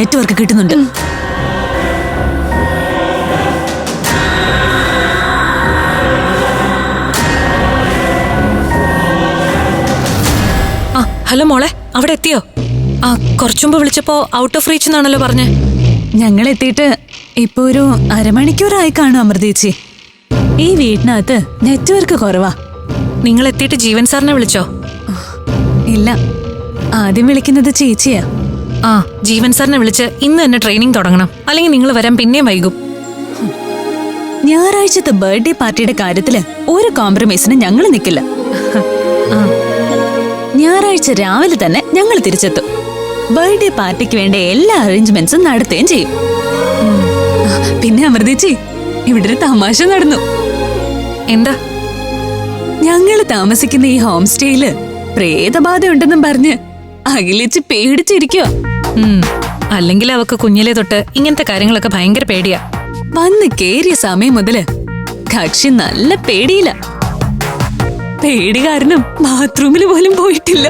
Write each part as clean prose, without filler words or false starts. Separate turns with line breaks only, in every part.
Network കിട്ടുന്നുണ്ട്.
Hello മോളെ, അവിടെ എത്തിയോ? കുറച്ചുമ്പ് വിളിച്ചപ്പോ ഔട്ട് ഓഫ് റീച്ച് എന്നാണല്ലോ പറഞ്ഞേ.
ഞങ്ങൾ എത്തിയിട്ട് ഇപ്പൊ ഒരു അരമണിക്കൂറായി കാണും അമൃതേച്ചി. ഈ വീട്ടിനകത്ത് നെറ്റ്വർക്ക് കുറവാ.
നിങ്ങൾ എത്തിയിട്ട് ജീവൻ സാറിനെ വിളിച്ചോ?
ഇല്ല, ആദ്യം വിളിക്കുന്നത് ചേച്ചിയാ.
ജീവൻ സാറിനെ വിളിച്ച് ഇന്ന് തന്നെ ട്രെയിനിങ് തുടങ്ങണം, അല്ലെങ്കിൽ നിങ്ങൾ വരാൻ പിന്നെയും വൈകും.
ഞായറാഴ്ചത്തെ ബർത്ത്ഡേ പാർട്ടിയുടെ കാര്യത്തില് ഒരു കോംപ്രമൈസിന് ഞങ്ങൾ നിൽക്കില്ല. ഞായറാഴ്ച രാവിലെ തന്നെ ഞങ്ങൾ തിരിച്ചെത്തും. ബർത്ത്ഡേ പാർട്ടിക്ക് വേണ്ട എല്ലാ അറേഞ്ച്മെന്റ്സും നടത്തുകയും ചെയ്യും. പിന്നെ അമൃതേച്ചി, ഇവിടെ ഒരു തമാശ നടന്നു.
എന്താ?
ഞങ്ങള് താമസിക്കുന്ന ഈ ഹോം സ്റ്റേയില് പ്രേതബാധ ഉണ്ടെന്നും പറഞ്ഞ് അഖിലേച്ചി പേടിച്ചിരിക്കുക.
അല്ലെങ്കിൽ അവക്ക് കുഞ്ഞിലെ തൊട്ട് ഇങ്ങനത്തെ കാര്യങ്ങളൊക്കെ ഭയങ്കര പേടിയാ.
വന്ന് കേറിയ സമയം മുതല് കക്ഷി നല്ല പേടിയില്ല. പേടി കാരണം ബാത്റൂമിൽ പോലും പോയിട്ടില്ല.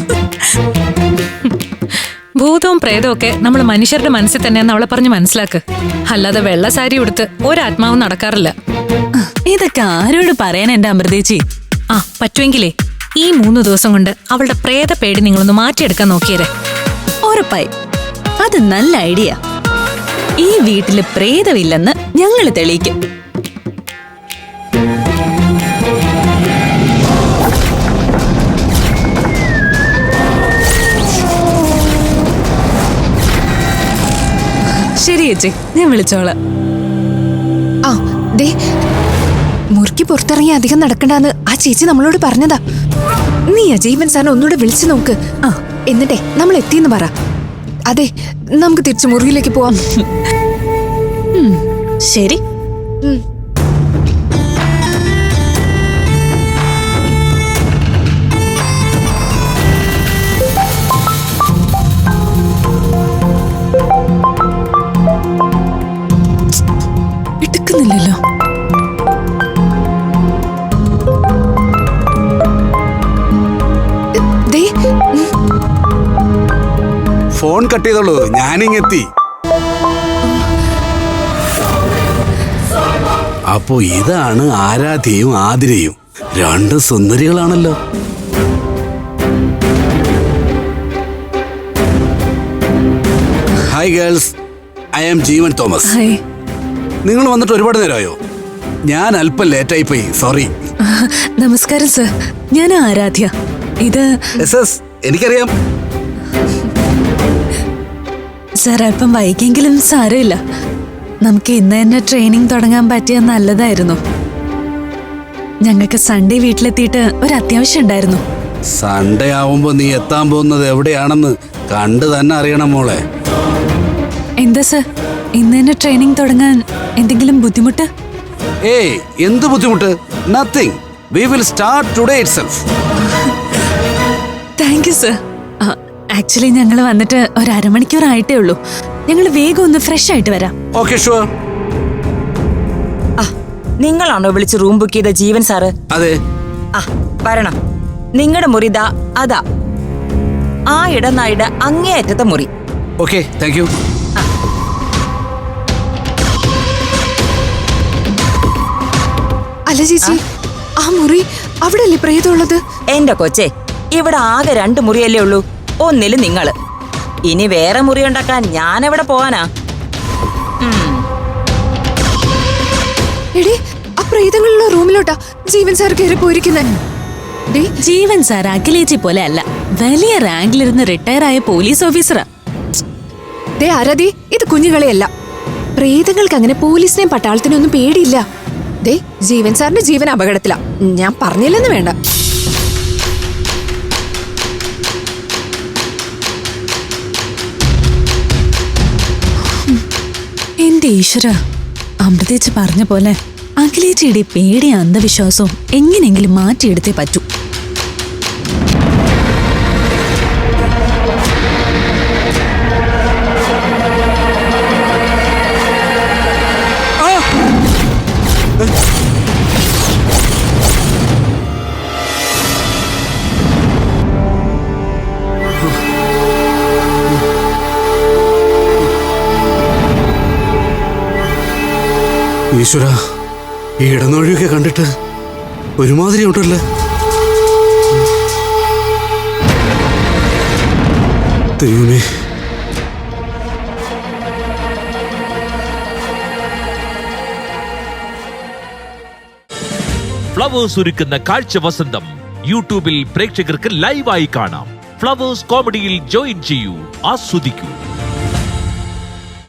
ഭൂതവും പ്രേതവും ഒക്കെ നമ്മൾ മനുഷ്യരുടെ മനസ്സിൽ തന്നെയാന്ന് അവളെ പറഞ്ഞ് മനസ്സിലാക്ക്. അല്ലാതെ വെള്ള സാരി ഉടുത്ത് ഒരാത്മാവും നടക്കാറില്ല.
ഇതൊക്കെ ആരോട് പറയാൻ എന്റെ അമൃതേച്ചി?
പറ്റുമെങ്കിലേ ഈ 3 ദിവസം കൊണ്ട് അവളുടെ പ്രേത പേടി നിങ്ങളൊന്ന് മാറ്റിയെടുക്കാൻ നോക്കിയരെ.
ഉറപ്പായി, അത് നല്ല ഐഡിയ. ഈ വീട്ടില് പ്രേതമില്ലെന്ന് ഞങ്ങൾ തെളിയിക്കും. ശരി ചേച്ചി, ഞാൻ വിളിച്ചോളാം.
മുറിക്ക് പുറത്തിറങ്ങി അധികം നടക്കണ്ടെന്ന് ആ ചേച്ചി നമ്മളോട് പറഞ്ഞതാ. നീ ജീവൻ സാറിനെ ഒന്നുകൂടെ വിളിച്ചു നോക്ക്. എന്നിട്ടേ നമ്മൾ എത്തിയെന്ന് പറ. അതെ, നമുക്ക് തിരിച്ചു മുറിയിലേക്ക് പോവാം.
ശരി. എടുക്കുന്നില്ലല്ലോ.
ഫോൺ കട്ട് ചെയ്തോളൂ, ഞാനിങ്ങെത്തി. അപ്പോ ഇതാണ് ആരാധ്യയും ആതിരയും. 2 സുന്ദരികളാണല്ലോ. Hi girls, I am Jeevan Thomas. നിങ്ങൾ വന്നിട്ട് ഒരുപാട് നേരമായോ? ഞാൻ അല്പം ലേറ്റായി പോയി, സോറി.
നമസ്കാരം സർ, ഞാൻ ആരാധ്യ. ഇത്
എനിക്കറിയാം
സർ. അല്പം വൈകിയെങ്കിലും സാരമില്ല. നമുക്ക് ഇന്ന് തന്നെ ട്രെയിനിങ് തുടങ്ങാൻ പറ്റിയ നല്ലതായിരുന്നു. ഞങ്ങൾക്ക് സൺഡേ വീട്ടിലെത്തിയിട്ട് ഒരു അത്യാവശ്യം ഉണ്ടായിരുന്നു.
സൺഡേ ആവുമ്പോ നീ എത്താൻ പോകുന്നത് എവിടെയാണെന്ന് കണ്ടു തന്നെ അറിയണം മോളെ.
എന്താ സർ, ഇന്ന് തന്നെ ട്രെയിനിങ് തുടങ്ങാൻ എന്തെങ്കിലും ബുദ്ധിമുട്ട്?
ഏയ്, എന്ത് ബുദ്ധിമുട്ട്? Nothing. We will start today itself.
Thank you sir. Actually ഞങ്ങൾ വന്നിട്ട് ഒരു അരമണിക്കൂർ ആയിട്ടേ ഉള്ളൂ. ഞങ്ങൾ വേഗം ഒന്ന് ഫ്രഷ് ആയിട്ട് വരാം.
Okay, sure.
നിങ്ങളാണോ വിളിച്ച് റൂം ബുക്ക് ചെയ്ത ജീവൻ സാറ്?
അതെ.
വരണം. നിങ്ങളുടെ മുറി ദാ അതാ, ആ ഇടനായിടെ അങ്ങേയറ്റത്തെ മുറി.
Okay, thank you.
അല്ല ചേച്ചി, ആ മുറി അവിടെ അല്ലേ പ്രേതമുള്ളത്?
എന്റെ കൊച്ചേ, ഇവിടെ ആകെ 2 മുറിയല്ലേ ഉള്ളൂ. ഒന്നില് നിങ്ങള്. ഇനി വേറെ മുറി ഉണ്ടാക്കാൻ ഞാൻ എവിടെ പോവാനാ?
എടേ, ആ പ്രേതങ്ങളുള്ള റൂമിലോട്ടാ ജീവൻ സാർ കയറി പോയിരിക്കുന്നത്.
ജീവൻ സാർ അഖിലേച്ചി പോലെ അല്ല, വലിയ റാങ്കിലിരുന്ന് റിട്ടയർ ആയ പോലീസ് ഓഫീസറാ.
ആരാധി, ഇത് കുഞ്ഞുകളെയല്ല. പ്രേതങ്ങൾക്ക് അങ്ങനെ പോലീസിനെയും പട്ടാളത്തിനും ഒന്നും പേടിയില്ല. ജീവൻ സാറിന്റെ ജീവൻ അപകടത്തിലാ. ഞാൻ പറഞ്ഞില്ലെന്ന് വേണ്ട.
എന്റെ ഈശ്വര, അമൃതേച്ചി പറഞ്ഞ പോലെ അഖിലേച്ചിയുടെ പേടി അന്ധവിശ്വാസവും എങ്ങനെയെങ്കിലും മാറ്റിയെടുത്തേ പറ്റൂ.
ഈശ്വര, ഈ ഇടനൊഴിയൊക്കെ കണ്ടിട്ട് ഒരുമാതിരി ഉണ്ടല്ലേ. ദൈവമേ,
ഫ്ലവേഴ്സ് ഒരുക്കുന്ന കാഴ്ച വസന്തം യൂട്യൂബിൽ പ്രേക്ഷകർക്ക് ലൈവായി കാണാം. ഫ്ലവേഴ്സ് കോമഡിയിൽ ജോയിൻ ചെയ്യൂ, ആസ്വദിക്കൂ.